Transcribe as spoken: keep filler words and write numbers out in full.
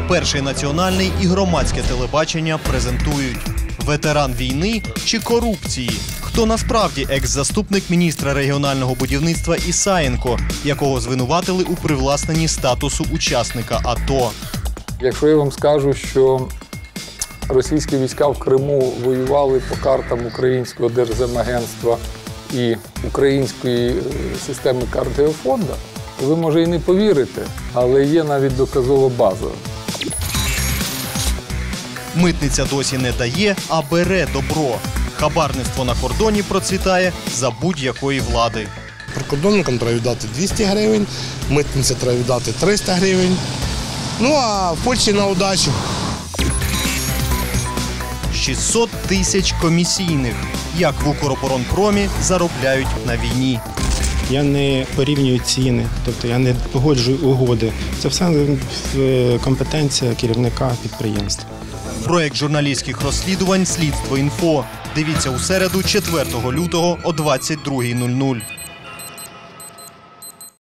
Перший національний і громадське телебачення презентують: ветеран війни чи корупції? Хто насправді екс-заступник міністра регіонального будівництва Ісаєнко, якого звинуватили у привласненні статусу учасника АТО? Якщо я вам скажу, що російські війська в Криму воювали по картам Українського Держземагентства і української системи карт Геофонда, то ви, може, і не повірите, але є навіть доказова база. Митниця досі не дає, а бере добро. Хабарництво на кордоні процвітає за будь-якої влади. Прикордонникам треба віддати двісті гривень, митниці треба віддати триста гривень. Ну, а в Польщі на удачу. шістсот тисяч комісійних. Як в Укроборонпромі заробляють на війні. Я не порівнюю ціни, тобто я не погоджую угоди. Це все компетенція керівника підприємства. Проєкт журналістських розслідувань «Слідство інфо». Дивіться у середу, четвертого лютого о двадцять другій нуль нуль.